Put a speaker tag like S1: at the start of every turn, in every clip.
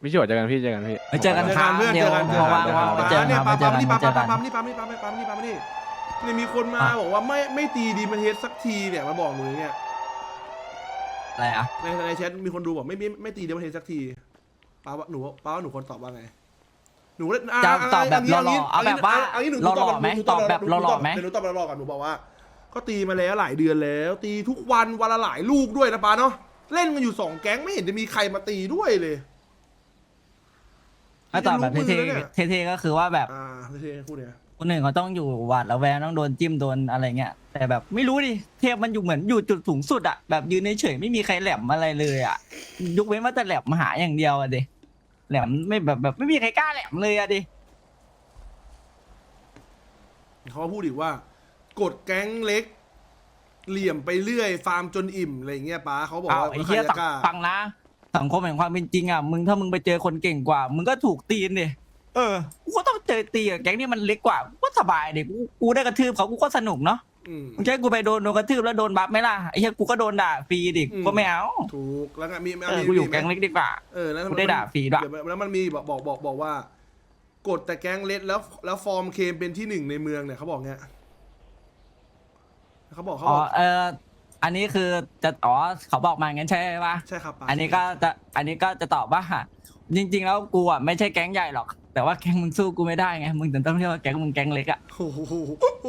S1: พี่ชิวเจอกันพี่เจอกันพี่
S2: ไปเจอกันครับ
S3: เพื่อน
S2: เดี๋ยว
S3: เจอกัน
S2: ว่างๆไปเจอกัน
S3: เนี่ย
S2: ครับ
S3: ปั๊
S2: ไป
S3: ม
S2: เจอ
S3: ปั๊ม
S2: กัน
S3: นี่
S2: ไปเจอกัน
S3: ปั๊มนี่ปั๊มนี่ปั๊มนี่ปั๊มนี่ปั๊มนี่เนี่ยมีคนมาบอกว่าไม่ตีดีมันเฮดสักทีเนี่ยมาบอกหนูเนี่ย
S2: อะไรอ่ะ
S3: ในแชทมีคนดูบอกไม่ตีดีมันเฮดสักทีป้าว่าหนูคนตอบว่าไงหนู
S2: จะตอบแบบหล่อๆเอาแบบว่าหล่อๆไหมตอบแบบหล่อๆไหม
S3: เดี๋ยวหนูตอบหล่อๆก่อนหนูบอกว่าก็ตีมาแล้วหลายเดือนแล้ว ตีทุกวันวันละหลายลูกด้วยนะป้าเนาะเล่นกันอยู่2แก๊งไม่เห็นจะมีใครมาตีด้วยเลย
S2: ถ้าตอบแบบเท่ๆก็คือว่าแบบ
S3: เท่ๆคู่เนี้ย
S2: คนหนึ่งเขาต้องอยู่หวาดระแวงต้องโดนจิ้มโดนอะไรเงี้ยแต่แบบไม่รู้ดิเทพมันอยู่เหมือนอยู่จุดสูงสุดอะแบบยืนเฉยๆไม่มีใครแหลมอะไรเลยอะยกเว้นว่าจะแหลมมาหาอย่างเดียวอะดิแหลมไม่แบบไม่มีใครกล้าแหลมเลยอะดิ
S3: เขาพูดอีกว่ากดแก๊งเล็ก เหลี่ยมไปเรื่อยฟาร์มจนอิ่มอะไรเงี้ยป้าเขาบอก
S2: เอา
S3: ว่า
S2: ไอ้เหี้ย
S3: ใครจะกล้า
S2: ฟังนะสังคมแห่งความเป็นจริงอะมึงถ้ามึงไปเจอคนเก่งกว่า มึงก็ถูกตีนดิกูก็ต้องเจอตีกับแก๊งที่มันเล็กกว่ากูก็สบายดิกูได้กระทืบเขากูก็สนุกเนาะ มึงจะให้กูไปโดนกระทืบแล้วโดนบัฟไหมล่ะไอ้เหี้ยกูก็โดนด่าฟรีดิกูก็ไม่เอา
S3: ถูกแล้วไงมี
S2: กูอยู่แก๊งเล็กดีกว่า
S3: แล้ว
S2: กูได้ด่าฟรีด้วย
S3: แล้วมันมีบอกว่ากดแต่แก๊งเล็กแล้วฟอร์มเคมเป็นที่1ในเมืองเนี่ยเขาบอกเงี้ยเขาบอก
S2: อันนี้คือจะเขาบอกมางั้นใช่ปะ
S3: ใช่ครับป้า
S2: อันนี้ก็จะตอบว่าจริงๆแล้วกูอ่ะไม่ใช่แก๊งใหญ่หรอก แต่ว่าแก๊งมึงสู้กูไม่ได้ไงมึงถึงต้องเรียกว่าแก๊งมึงแก๊งเล็กอ่ะ
S3: โอ้โห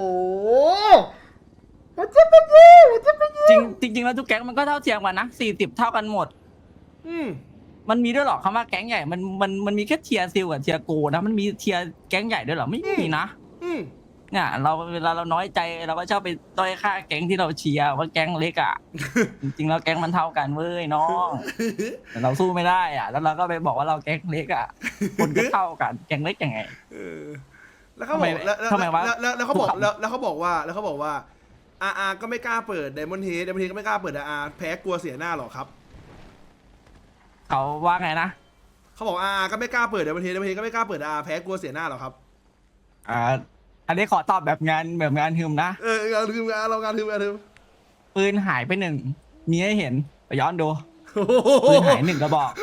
S2: จริงแล้วทุกแก๊งมันก็เท่าเทียมกันนะ40เท่ากันหมด มันมีด้วยหรอคำว่าแก๊งใหญ่มันมีแค่เทียร์ซิลกับเทียร์โกนะมันมีเทียร์แก๊งใหญ่ด้วยหรอไม่มีนะเนี่ยเวลาเราน้อยใจเราก็ชอบไปต้อยค่าแก๊งที่เราเชียร์ว่าแก๊งเล็กอ่ะ จริงๆแล้วแก๊งมันเท่ากันเว้ยน้องแต่เราสู้ไม่ได้อ่ะแล้วเราก็ไปบอกว่าเราแก๊งเล็กอ่ะคนก็เท่ากันแก๊งเล็กยังไง
S3: แล้วเขาบอก
S2: ทำไมวะ
S3: แล้วเขาบอกแล้วเขาบอกว่าก็ไม่กล้าเปิดไดมอนด์เฮดก็ไม่กล้าเปิดแพ้กลัวเสียหน้าหรอครับ
S2: เขาว่าไงนะ
S3: เขาบอกก็ไม่กล้าเปิดไดมอนด์เฮดก็ไม่กล้าเปิดแพ้กลัวเสียหน้าหรอครับ
S2: อันนี้ขอตอบแบบงานฮึมนะ
S3: เราลืมเรางานลืม
S2: ปืนหายไป1มีให้เห็นไปย้อนดูปืนหาย1กระบอก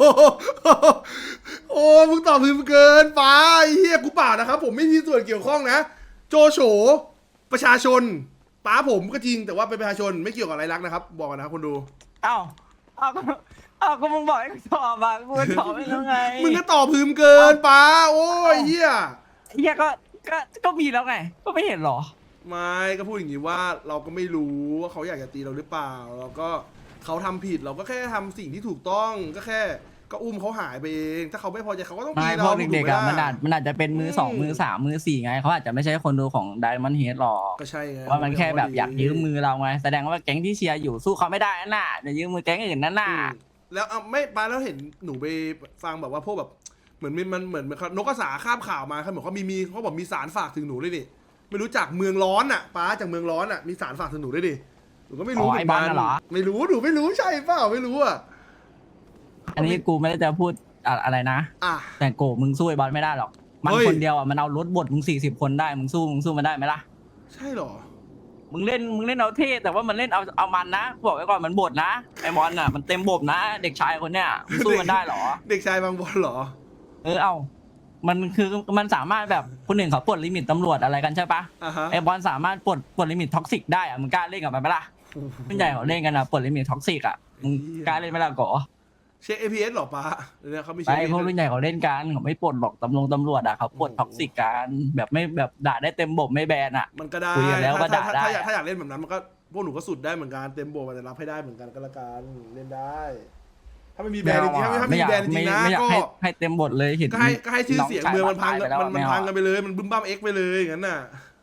S3: โอ้มึงตอบลืมเกินไปเฮียกูเปล่านะครับผมไม่มีส่วนเกี่ยวข้องนะโจโฉประชาชนป้าผมก็จริงแต่ว่าเป็นประชาชนไม่เกี่ยวกับอะไรรักนะครับบอกกันนะคนดู
S2: เอ้าก็มึงบอกให้กูตอบอ่ะกูตอบไม่แล้วไง
S3: มึงก็ตอบลืมเกินป้าโอ้ยเฮีย
S2: ก็มีแล้วไงก็ไม่เห็นหรอ
S3: ไม่ก็พูดอย่างนี้ว่าเราก็ไม่รู้ว่าเขาอยากจะตีเราหรือเปล่าเราก็เขาทำผิดเราก็แค่ทำสิ่งที่ถูกต้องก็อุ้มเขาหายไปเองถ้าเขาไม่พอใจเขาก็ต้องตี
S2: ไม่
S3: เรา
S2: พวกเด็กๆอ่ะมันอาจจะเป็นมือ2มือ3มือ4ไงเขาอาจจะไม่ใช่คนดูของไดมอนด์เฮดหรอก
S3: ก็ใช่ไง
S2: ว่ามันแค่แบบอยากยืมมือเราไงแสดงว่าแก๊งที่เชียร์อยู่สู้เขาไม่ได้นั่นน่ะจะยืมมือแก๊งอื่นนั่นน่ะ
S3: แล้วไม่ป้าแล้วเห็นหนูไปฟังแบบว่าพวกแบบเหมือนมันเหมือนนกกระสาคาบข่าวมาเขาบอกเขาเขาบอกมีสารฝากถึงหนูด้วยดิไม่รู้จักเมืองร้อนอ่ะป้าจากเมืองร้อนอ่ะมีสารฝากถึงหนูด้วยดิหนูก็ไม่รู้เหมือนกันไม่รู้หนูไม่รู้ใช่เปล่าไม่รู้อ่ะ
S2: อันนี้กูไม่ได้จะพูดอะไรนะแต่โกมึงสู้ไอ้บอลไม่ได้หรอกมันคนเดียวอ่ะมันเอารถบดมึง40 คนได้มึงสู้มันได้ไหมล่ะ
S3: ใช่หรอ
S2: มึงเล่นเอาเท่แต่ว่ามันเล่นเอามันนะบอกไว้ก่อนมันบดนะไอ้บอลน่ะมันเต็มบบนะเด็กชายคนเนี้ยมึงสู้มันได้หรอ
S3: เด็กชายบางบอลหรอ
S2: มันคือมันสามารถแบบคนหนึ่งเขาปลดลิมิตตำรวจอะไรกันใช่ปะไอ้บอลสามารถปลดลิมิตท็อกซิกได้อะมึงกล้าเล่นกับมันไหมล่ะผู้ใหญ่เขาเล่นกันอะปลดลิมิตท็อกซิกอะมึงกล้าเล่นไหมล่ะก๋อ
S3: เช็ค APS หรอป้าเนี่ยเขาไม่
S2: ไปพวกรุ่นใหญ่เขาเล่นกันเขาไม่ปลดหรอกตำรวจอะเขาปลดท็อกซิกกันแบบไม่แบบด่าได้เต็มบบไม่แบนอะ
S3: มันก็ได้
S2: คุยกันแล้วก็ด่าได้
S3: ถ้าอยากเล่นแบบนั้นมันก็พวกหนูก็สุดได้เหมือนกันเต็มโบมันจะรับให้ได้เหมือนกันก็แล้วกันเล่นได้ถ้าไม่มีแบรนด์จริงๆถ้าไม่มีแบรนด์จริงๆนะ
S2: ก็ให้เต็มบทเลยเห็น
S3: ก็ให้ชื่อเสียงเมืองมันพังกันไปเลยมันบึ้มบ้ามเอ็กไปเลยอย่างนั้นน่ะ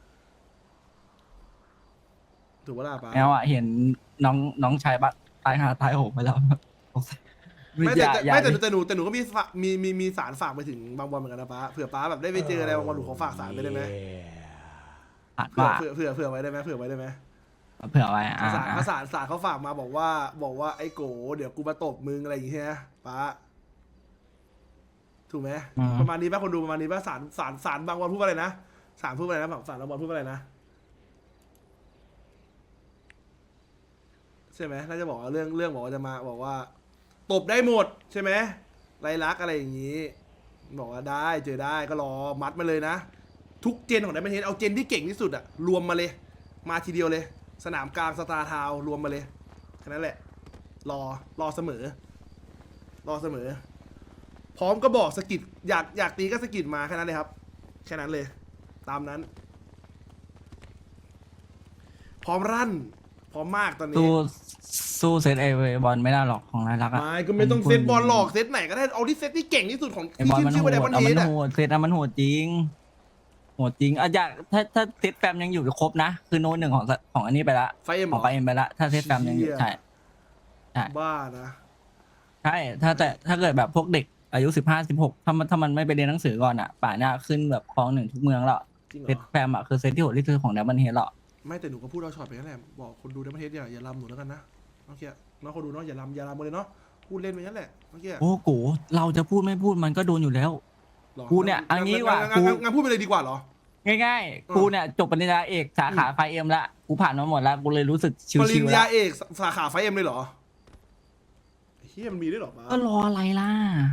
S3: ถูกว่าล่ะป้า
S2: แมวอะเห็นน้องชายบัตตายโหงไปแล้ว
S3: ไม่แต่หนูก็มีสารฝากไปถึงบางบอลเหมือนกันนะป้าเผื่อป้าแบบได้ไปเจออะไรบางบอลหนูขอฝากสารไปได้ไหมเผื่อไว้ได้ไหมเผื่อไว้ได้ไหม
S2: เผื่อไว้
S3: สารเขาฝากมาบอกว่าไอ้โกเดี๋ยวกูมาตบมึงอะไรอย่างเงี้ยป้าถูกไหมประมาณนี้ป่ะคนดูประมาณนี้ป่ะสารบางบอลพูดว่าอะไรนะสารพูดว่าอะไรนะสารบางบอลพูดว่าอะไรนะใช่ไหมน่าจะบอกว่าเรื่องบอกว่าจะมาบอกว่าตบได้หมดใช่ไหมไรลักษณ์อะไรอย่างนี้ บอกว่าได้เจอได้ก็รอมัดมาเลยนะ ทุกเจนของไดมอนเฮดเอาเจนที่เก่งที่สุดอะรวมมาเลย มาทีเดียวเลย สนามกลางสตาร์ทาวน์รวมมาเลยแค่นั้นแหละ รอเสมอ รอเสมอ พร้อมก็บอกสกิดอยากตีก็สกิดมาแค่นั้นเลยครับ แค่นั้นเลย ตามนั้น พร้อมรั่น พร้อมมากตอนนี้
S2: สู้เซตไอบอลไม่ได้หรอกของนายรักอะ
S3: ไม่ก็ไม่ต้องเซตบอลหลอกเซตไหนก็ได้เอาที่เซตที่เก่งที่สุดของ
S2: ไอ
S3: ที่
S2: บอล
S3: ขึ้น
S2: มัน
S3: ชื่อ
S2: โห
S3: ว่า
S2: ด
S3: ไดมอน
S2: เอา
S3: เฮ
S2: มัน
S3: ดอะ
S2: โหดเซตมันโหดจริงโหดจริงอะอยากถ้าเซตแฟมยังอยู่ครบนะคือโน้ตหนึ่งของอันนี้ไปละ
S3: ไฟเอ็ม
S2: ของไฟเอ็มไปละถ้าเซตแฟมยังอยู่ใช่
S3: บ้านะ
S2: ใช่ถ้าเกิดแบบพวกเด็กอายุ15-16ถ้ามันไม่ไปเรียนหนังสือก่อนอ่ะป่านนี้ขึ้นแบบครองหนึ่งทุกเมืองแล้ว
S3: จริงเหร
S2: เซต
S3: อ
S2: แฟมอ่ะคือเซตที่โหดที่สุดของดับเบิลเฮดหรอ
S3: ไม่แต่หนูก็พูดเอาช็อตไปนั่นแหละบอกคนดูไดมอนเฮดอย่าลำหนูแล้วกันนะเมื่อกี้น้องคนดูเนาะอย่าลำกันเลยเนาะพูดเล่นไปนั่นแหละเมื่อกี้
S2: โอ้โหเราจะพูดไม่พูดมันก็โดนอยู่แล้ว
S3: หรอ
S2: กูเนี่ยอันนี้ว่ะ
S3: งั้นพูดไปเลยดีกว่าเหรอ
S2: ง่ายๆกูเนี่ยจบปริญญาเอกสาขาไฟเอ็มละกูผ่านมาหมดแล้วกูเลยรู้สึกชิ
S3: ปริญ
S2: วๆ
S3: ญา
S2: แล้ว
S3: เอกสาขาไฟเอ็มเลยเหรอเฮียมันมีด้วยเหรอบ้า
S2: ก็รออะไรล่ะ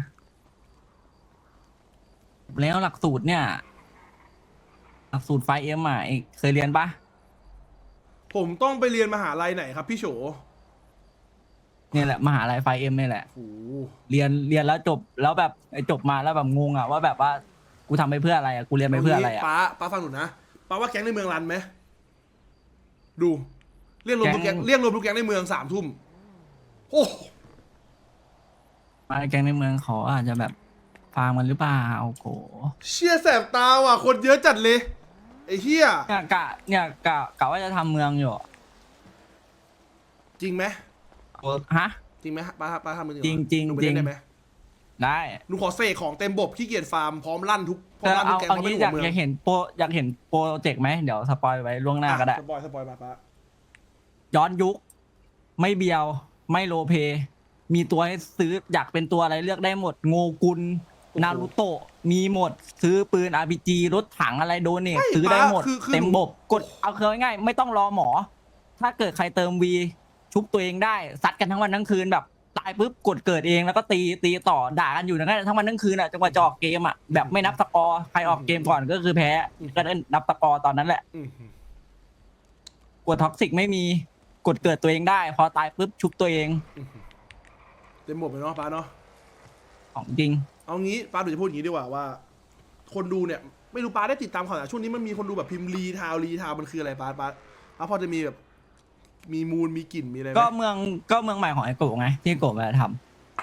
S2: แล้วหลักสูตรเนี่ยหลักสูตรไฟเอ็มอ่ะเอกเคยเรียนปะ
S3: ผมต้องไปเรียนมหาลัยไหนครับพี่โฉ
S2: เนี่ยแหละมหาลัยไฟเอ็มนี่แหละ
S3: โอ้โห
S2: เรียนแล้วจบแล้วแบบจบมาแล้วแบบงงอ่ะว่าแบบว่ากูทำไปเพื่ออะไรอ่ะกูเรียนไปเพื่ออะไรอ่ะ
S3: ป้าฟังหนูนะป้าว่าแก๊งในเมืองรันไหมดูเรียกรวมทุกแก๊งในเมือง3 ทุ่มโอ้
S2: มาแกงในเมืองเขาอาจจะแบบฟาร์มมันหรือเปล่าโอ้โห
S3: เชี่ยแสบตาว่ะคนเยอะจัดเลยไอ้เฮีย
S2: เนี่ยกะว่าจะทำเมืองอยู่
S3: จริงไหม
S2: ฮะ
S3: จริงไหมป้าทำมือ
S2: จริง
S3: หนูไป
S2: จริ
S3: เล่
S2: ง
S3: นได้ไหม
S2: ได้
S3: หนูขอเสกของเต็มบบขี้เกียจฟาร์มพร้อมลั่นทุกพร้อ
S2: แต่
S3: มลั่นทุ
S2: เอา
S3: กแก๊ง
S2: เอา
S3: พร้อมเป็น
S2: งี้
S3: หัวเมือง
S2: อยากเห็นโปรเจกต์ไหมเดี๋ยวสปอยไว้ล่วงหน้าก็ได้
S3: สปอยมาป้า
S2: ย้อนยุค ไม่เบียวไม่โลเพมีตัวให้ซื้ออยากเป็นตัวอะไรเลือกได้หมด โงกุลนารูโตะมีหมด ซื้อปืน RPG รถถังอะไรโดเนทซื้อได้หมด เต็มบบกดเอาคือง่ายๆไม่ต้องรอหมอ ถ้าเกิดใครเติมวีชุบตัวเองได้ซัดกันทั้งวันทั้งคืนแบบตายปุ๊บกดเกิดเองแล้วก็ตีต่อด่ากันอยู่นั้นทั้งวันทั้งคืนอ่ะจนกว่าจะออกเกมอ่ะแบบไม่นับสกอร์ใครออกเกมก่อนก็คือแพ้ก็ได้นับสกอร์ตอนนั้นแหละ
S3: อืม
S2: กดท็อกซิกไม่มีกดเกิดตัวเองได้ พอตายปุ๊บชุบตัวเอง
S3: เต็มบบเลยเนาะป้าเนาะ
S2: ของจริง
S3: เอางี้ป้าหนูจะพูดอย่างนี้ดีกว่าว่า คนดูเนี่ยไม่รู้ป้าได้ติดตามข่าวสารช่วงนี้มันมีคนดูแบบพิมพ์รีทาวมันคืออะไรป้าพอจะมีแบบมีมูลมีกลิ่นมีอะไรไหม
S2: ก็เมืองใหม่ของไอโกะไงที่โกะมาท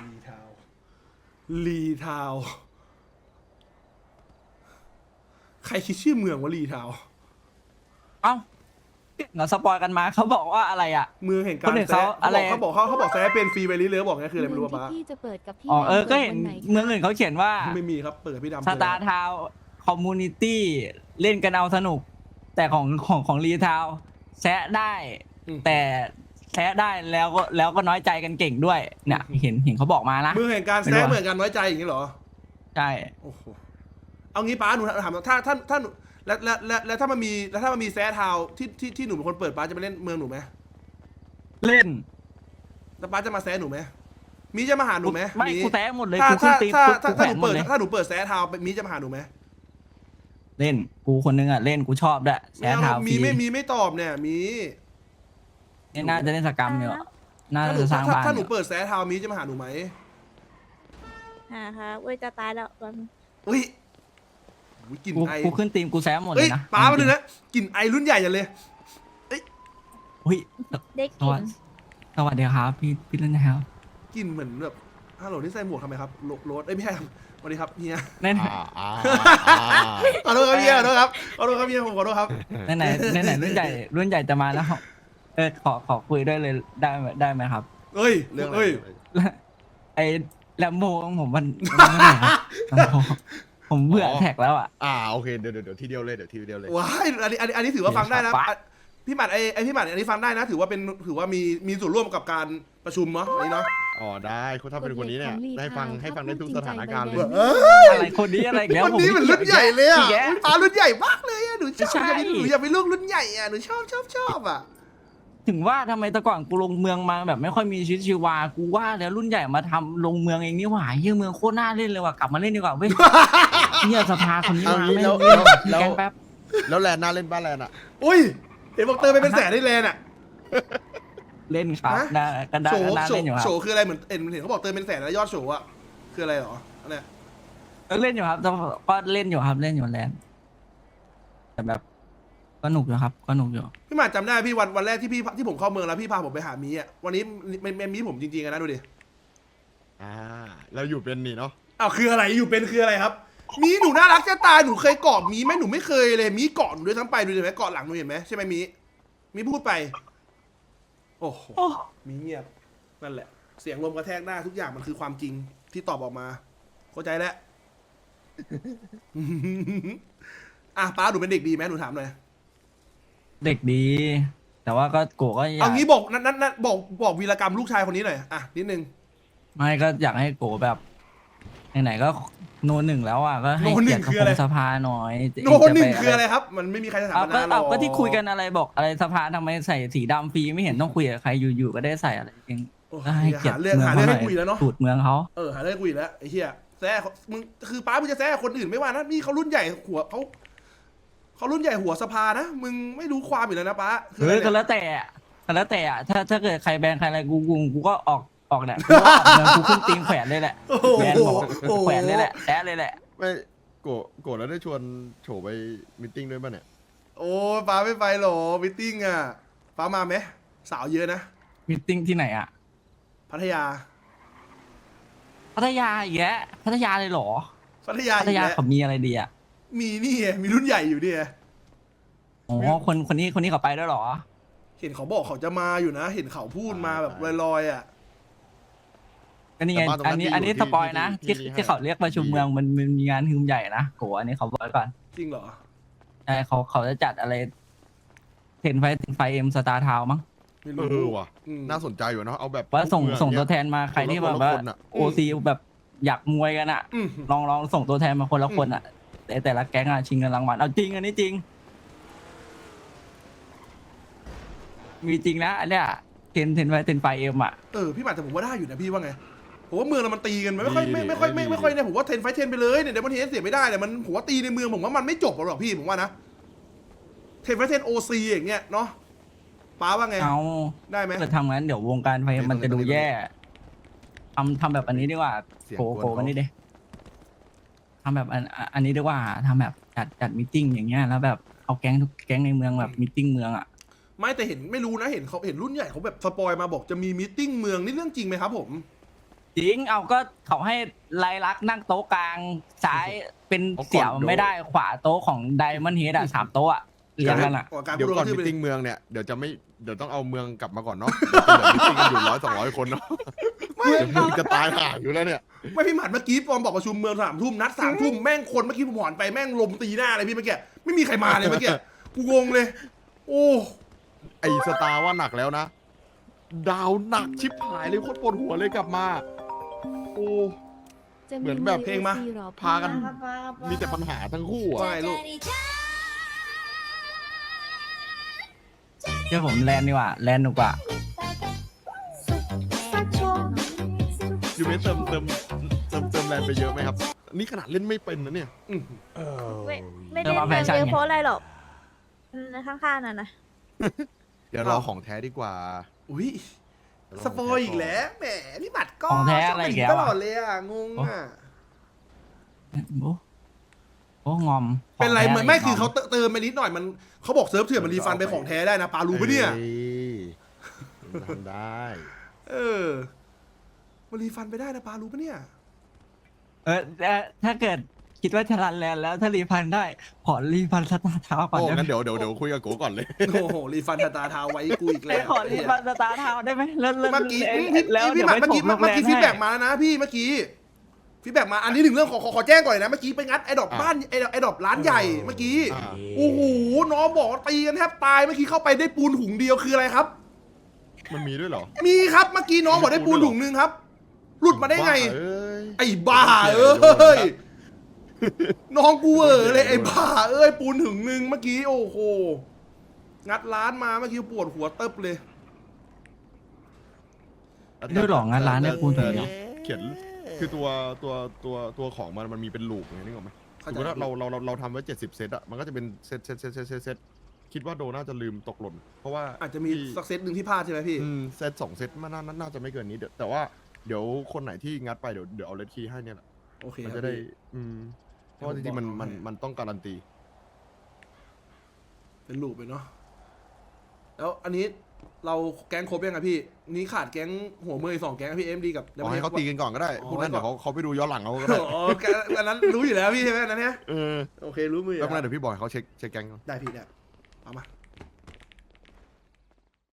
S3: รีทาวใครคิดชื่อเมืองว่ารีทาว
S2: ำเอ้าเราสปอยกันมาเขาบอกว่าอะไรอ่ะ
S3: เมืองแห่งการ
S2: คนอื่นเขาอะไร
S3: เขาบอกแซ่เป็นฟรีไปเรื่อยๆบอกไงคืออะไรไม่รู้
S1: เมืง
S3: ป้า
S1: ที่พี่จะเปิดกับพี่
S2: อ๋อ
S1: ดำ
S2: ก็เห็น
S1: วันไคะ
S2: เมืองอื่นเขาเขียนว่า
S3: ไม่มีครับเปิดกับพี่ดำ
S2: สตาร์ทาวคอมมูนิตี้เล่นกันเอาสนุก แต่ของรีทาวแซะได้ แต่แซะได้แล้วก็น้อยใจกันเก่งด้วยเนี่ยเห็นเขาบอกมานะ
S3: เมืองแห่งการแซ่เหมือนกันไว้ใจอย่างนี้เหรอ
S2: ใช่
S3: โอ้โหเอางี้ป้าหนูถามถ้าหนูแล้วถ้ามันมีแซ่ทาวที่หนูเป็นคนเปิดป้าจะมาเล่นเมืองหนูไหม
S2: เล่น
S3: แล้วป้าจะมาแซ่หนูไหมมีจะมาหาหนูไหม
S2: ไม่
S3: มี
S2: กูแซะหมดเลย
S3: ถ้า
S2: กูขึ้นตี
S3: ถ้า
S2: กูแข
S3: ถ้า
S2: วน
S3: หนู
S2: หมด
S3: เปิด
S2: เลย
S3: ถ้าหนูเปิดแซ่ทาวมีจะมาหาหนูไหม
S2: เล่นกูคนนึงอ่ะเล่นกูชอบด้วยแซะทาวฟ
S3: มี
S2: รี
S3: ไม่ตอบเนี่ยมี
S2: นี่น่าจะเล่นสกรรมอยู่น่าจะสร้างบ้าน
S3: ถ้าห
S2: อ
S3: นู
S2: ยู่
S3: เปิดแซ่ทาวมีจะมาหาหนูไหม
S1: ค่ะเว้ยจะตายแล้ววัน
S3: อุ้ยกลิ่นไอ
S2: กูขึ้นตีมกูแซะหมดเล
S3: เอ้ย
S2: ยนะ
S3: ป้ามาดูนะกลิ่นไอรุ่นใหญ่จังเลย
S2: อุ้ย
S1: เด็ก
S2: ส
S1: กิ
S2: วัส
S1: น
S2: ดีสวัสดีครับพี่เล่นนะครับ
S3: กลิ่นเหมือนแบบฮัลโหลที่ใส่หมวกทำไมครับโรสไม่ใช่ครับสวัสดีครับเฮีย
S2: แน่
S3: ขอโทษครับเฮียขอโทษครับผมขอโทษครับ
S2: ไหนรุ่นใหญ่จะมาแล้วขอคุยด้วยเลยได้ไหมครับ
S3: เอ้ย
S4: เรื่องอะไร
S3: เอ้ย
S2: ไอ้แลมโบของผมมันเมื่อไหร่ครับ Lambo ผมเบื่อแท็กแล้วอ่ะ
S4: โอเคเดี๋ยวทีเดียวเลย
S3: ว้ายอันนี้ถือว่าฟังได้นะ
S2: ปะ
S3: พี่หมัดไอพี่หมัดอันนี้ฟังได้นะ ถือว่ามีส่วนร่วมกับการประชุมเนาะอันนี้เนาะ
S4: ได้คุณถ้าเป็นคนนี้เนี่ยให้ฟังได้ทุกสถานการณ์เลย
S2: อะไรคนนี้อะไรอีกแล้ว
S3: คนนี้มันรุ่นใหญ่เลยอ่ะ
S2: อีกแล้ว
S3: ป้ารุ่นใหญ่มากเลยอ่ะหนูชอบ
S2: ใช่
S3: หนูอยากเป็นลูกรุ่นใหญ่อ่ะหนูชอบอ่ะ
S2: ถึงว่าทำไมแต่ก่อนกูลงเมืองมาแบบไม่ค่อยมีชีวิตชีวากูว่าแล้วรุ่นใหญ่มาทำลงเมืองเองนี่หว่าเฮียเมืองโคตรน่าเล่นเลยว่ะกลับมาเล่นดีกว่าเว้ย เฮียสภาคนนี้
S4: เอา
S2: มา
S4: งี้
S2: ไม่
S4: แล้ว
S2: เล่น
S4: แล้ว
S2: แกงแป๊บ
S4: แล้วแลนน่าเล่นบ้านแลนอ่ะ
S3: อุ้ยเห็นบอกเติมไปเป็นแสนได้เลยน่ะ
S2: เล่นครับ
S3: ฮะ
S2: น่าก็ได้
S3: โฉ
S2: ก็น่า
S3: โฉ
S2: เล่นอยู่ครั
S3: โฉ
S2: บ
S3: คืออะไรเหมือนเห็นเขาบอกเติมเป็นแสนแล้วยอดโฉอะคืออะไรหรออันเนี้ย
S2: เล่นอยู่ครับแต่ก็เล่นอยู่ครับเล่นอยู่แลนด์แต่แบบก็หนุกอยู่ครับก็หนุกอยู่
S3: พี่หมาดจำได้พี่วันแรกที่ผมเข้าเมืองแล้วพี่พาผมไปหามีอ่ะวันนี้มันมีผมจริงๆนะดูดิ
S4: เราอยู่เป็นนี่เนาะ
S3: อ้าวคืออะไรอยู่เป็นคืออะไรครับ มีหนูน่ารักจะตายหนูเคยเกาะมีไหมหนูไม่เคยเลยมีเกาะหนูด้วยทั้งไปดูเห็นไหมเกาะหลังหนูเห็นไหมใช่ไหมมีพูดไป โอ้โหมีเงียบนั่นแหละ เสียงลมกระแทกหน้าทุกอย่างมันคือความจริงที่ตอบออกมาเข้าใจแล้ว อ่ะป้าหนูเป็นเด็กดีไหมหนูถามหน่อย
S2: เด็กดี แต่ว่าก็โกก็อยา
S3: เอา
S2: ก
S3: งี้บอกนั่นบอกวีรกรรมลูกชายคนนี้หน่อยอ่ะนิดนึง
S2: ไม่ก็อยากให้โกแบบไหนๆก็โนหนึ่งแล้วอ่ะก็ให้
S3: โนหนึ่
S2: เกียรง ติ
S3: คืออะไร
S2: สภาหน่อย
S3: โนหนึ่งคืออะไรครับ มันไม่มีใครจะถาม
S2: เอา
S3: มานานหรอก
S2: ก็ที่คุยกันอะไรบอกอะไรสภาทำไมใส่สีดำฟรีไม่เห็นต้องคุยกับใครอยู่ๆก็ได้ใส่อะไรเอง
S3: โอ้ย
S2: ก็ให้เกียรติ
S3: หาเรื่อง
S2: เมือง
S3: หา
S2: เขา
S3: เรื่อง
S2: หน่
S3: ให้คุยแล้วเนาะ
S2: สูตรเมืองเขา
S3: หาเรื่องคุยแล้วไอ้เหี้ยแซ่มึงคือป้ามึงจะแซ่คนอื่นไม่ว่านะนี่เขารุ่นใหญ่หัวเขารุ่นใหญ่หัวสภานะมึงไม่รู้ความอยู่แล้วนะป้าคืออะไร
S2: ก็
S3: เนี่ย
S2: แล้วแต่อะก็แล้วแต่อะถ้าเกิดใครแบนใครอะไรกูก็ออกแหละกูก็ออกเมืองกูขึ้นตีมแขวนเลยแหละ
S3: โอ้โห
S2: แบนบอกแขวนเลยแหละแอะเลยแหละ
S4: ไม่โกรธแล้วได้ชวนโฉไปมิทติ้งด้วยป่ะเนี่ย
S3: โอ้ยป้าไม่ไปหรอมิทติ้งอ่ะป้ามาไหมสาวเยอะนะ
S2: มีตติ้งที่ไหนอะ
S3: พัทยา
S2: พัทยาอีกแล้วพัทยาเลยเหรอ
S3: พัทยา
S2: พั
S3: อี
S2: ท
S3: ก
S2: ยา
S3: แล้ว
S2: เขามีอะไรดีอะ
S3: มีนี่ไงมีรุ่นใหญ่อยู่นี่ไง
S2: อ๋อคนนี้เขาไปด้วยเหรอ
S3: เห็นเขาบอกเขาจะมาอยู่นะ เห็นเขาพูดมาแบบลอยๆอ่ะ
S2: ก็นี่ไง
S4: แต่บ้านตรงนั้น
S2: อันนี้
S4: ที่อยู่
S2: สปอยนะ
S4: ที่
S2: ที่
S4: ที่
S2: ที่เขาเรียกประชุม
S4: ที่
S2: เมืองมันมีงานฮึมใหญ่นะโกอันนี้เขาบอกไว้ก่อน
S3: จริงเหรอ
S2: ใช่เขาจะจัดอะไรเทนไฟเอ็มสตาร์ทาวมั้ง
S3: ไม่
S4: เอ
S3: รู้
S4: อว่ะ
S3: อืม
S4: น่าสนใจอยู่เนาะเอาแบบ
S2: ว่าส่ง
S4: เมือ
S2: ส่ง
S4: เนี่ย
S2: ตัวแทนมาใครที่แบบว่า
S4: คนละคนอะ
S2: โอซีแบบอยากมวยกันอะ
S3: อืม
S2: ลองส่งตัวแทนมาคนละคนอะแต่ละแก๊งอะชิงเงินรางวัลเอาจริงอันนี้จริง มีจริงนะอันเนี้ยเทนไฟเอ็มอะ
S3: พี่หมาแต่ผมว่าได้อยู่นะพี่ว่าไงผมว่าเมืองเรามันตีกันไม่ค่อยเนี่ยผมว่าเทนไฟเทนไปเลยเนี่ยเดี๋ยวมันเทนเสียไม่ได้เนี่ยมันผมว่าตีในเมืองผมว่ามันไม่จบหรอกพี่ผมว่านะเทนไฟเทนโอซีอย่างเงี้ยเนาะป้าว่าไง
S2: เอา
S3: ได้ไหม
S2: ถ้าเกิดทำงั้นเดี๋ยววงการไฟมันจะดูแย่ทำแบบอันนี้ดีกว่า
S4: เสียง
S2: โก
S4: กวนเขา
S2: มันนี่เด้ทำแบบอันนี้ดีกว่าทำแบบจัดมิทติ้งอย่างเงี้ยแล้วแบบเอาแก๊งทุกแก๊งในเมืองแบบมิทติ้งเมืองอะ
S3: ไม่แต่เห็นไม่รู้นะเห็นเขาเห็นรุ่นใหญ่เขาแบบสปอยมาบอกจะมีมีตติ้งเมืองนี่เรื่องจริงไหมครับผม
S2: จริงเอาก็เขาให้ไลลักษณ์นั่งโต๊ะกลางซ้ายเป็นเสี่ยวไม่ได้ขวาโต๊ะของไดมอนด์เฮดอะ3 โต๊ะอะเรียงกันอะ
S4: เดี๋ยวก่อน
S3: พู
S4: มิ
S3: ด
S4: ทติ้งเมืองเนี่ยเดี๋ยวต้องเอาเมืองกลับมาก่อนเนาะเดี๋ยวมิทติ้งกันอยู่100-200 คนเนาะเดี๋ยวมึงจะตายห่าอยู่แล้วเนี่ย
S3: ไม่พี่หมัดเมื่อกี้ปอมบอกประชุมเมือง3 ทุ่มนัด3 ทุ่มแม่งคนเมื่อกี้ผมหอนไปแม่งลมตีหน้าเลยพี่เมื่อกี้ไม่มีใครมาเลยเมื่อกี้กูงงเลย โอ้
S4: ไอสตาร์ว่าหนักแล้วนะ ดาวหนักชิบหายเลยโคตรปวดหัวเลยกลับมา โอ้ เหมือนแบบเพลงมาพากัน มีแต่ปัญหาทั้งคู่อ่ะ
S3: ไม่ลูก
S2: เชื่อผมแลนดีกว่าแลนหนุกกว่า
S4: ยูเมนเติมแรงไปเยอะไหมครับ นี่ขนาดเล่นไม่เป็นนะเนี่ย
S1: ไม่ได้มาเยอะเพราะอะไรหรอกข้างๆน่ะนะ
S4: เดี๋ยวรอของแท้ดีกว่า
S3: อุ้ยสปอยอีกแล้วแหมพี่หมัดก็
S2: ของแท้อะไรอีกแล้ว
S3: ต
S2: อะ
S3: ลอดเลยอ่ะงงอ่ะ
S2: โอ้งอม
S3: เป็นไร
S2: ขง
S3: เห
S2: แท้
S3: มือนไม่
S2: ก
S3: คือเขาเติมไปนิดหน่อยมันเขาบอกเซิร์ฟเถื่อนมันรีฟันไปของแท้ได้นะปารู้ปะเนี่ย
S4: อ้ทำได้
S3: มันรีฟันไปได้นะปารู้ปะเนี่ย
S2: ถ้าเกิดคิดว่าจะรันแลนแล้วถ้ารีฟันได้ขอรีฟันสตาร์เท้าก่อน
S4: โอ้
S2: ได้ไหม
S4: งั้นเดี๋ยวคุยกับโกก่อนเลย
S3: โอ้โหรีฟันตาเท้าไว้กูอีก
S2: ไป
S3: แล้ว
S2: ขอรีฟันสตาร์เท้าได้ไหมแล้ว
S3: เมื่อกี้
S2: แล้ว
S3: พี่
S2: เดี๋ยว
S3: หมัด
S2: ไป
S3: เมื่อ
S2: ถ
S3: กี้
S2: มโรง
S3: เมื่อ
S2: แร
S3: กี้
S2: ม
S3: ฟีดแบ็ก
S2: ให้
S3: มาแล้วนะพี่เมื่อกี้ฟีดแบ็กมาอันนี้หนึ่งเรื่องขอแจ้งก่อนเลยนะเมื่อกี้ไปงัดไอ้ดอกบ้านไอ้ดอกร้านใหญ่เมื่อกี้
S4: อ่า
S3: โอ้โหน้องบอกว่าตีกันแทบตายเมื่อกี้เข้าไปได้ปูนถุงเดียวคืออะไรครับ
S4: มันมีด้วยเหรอ
S3: มีครับเมื่อกี้น้องบอกได้ปูนถุงนึงครับ หลุดมาได้ไง
S4: บ้าเอ้ย
S3: ไอ้บ้าเอ้ยน้องกูเลยไอ้บ้าเอ้ยปูนถุงนึงเมื่อกี้โอ้โหงัดร้านมาเมื่อกี้ปวดหัวเติบเลย
S2: ด้วยหรองานร้านเนี่ยปูนถึงเหรอ
S4: เขียนคือตัวของมันมีเป็นลูปไงนึกออกไหมสมมติว่าเราทำไว้70เซตอะมันก็จะเป็นเซตคิดว่าโดน่าจะลืมตกหล่นเพราะว่า
S3: อาจจะมีสักเซตหนึ่งที่พลาดใช่ไหมพี่
S4: เซต2เซตมันน่าจะไม่เกินนี้แต่ว่าเดี๋ยวคนไหนที่งัดไปเดี๋ยวเอาเลดคีย์ให้เนี่ยแหละ
S3: โอเค
S4: มัน
S3: ครับ
S4: จะได้
S3: พี่
S4: เพราะว่าจริงๆมันต้องการันตี
S3: เป็นลูปเลยเนาะแล้วอันนี้เราแก๊งครบยังไงพี่ นี่ขาดแก๊งหัวมืออีก2 แก๊งพี่เอ็มดีกับ
S4: เอาให้เขาตีกันก่อนก็ได้พวกนั้นเดี๋ยวเขาไปดูย้อนหลังเขาก็ได้
S3: อ๋ออันนั้นรู้อยู่แล้วพี่ใช่ไหมอันนั้นเนี่ยโอเครู้มือ
S4: แล้วเมื่อไหร่เดี๋ยวพี่บอยเขาเช็คแก๊งก่อน
S3: ได้พี่ได้เอามา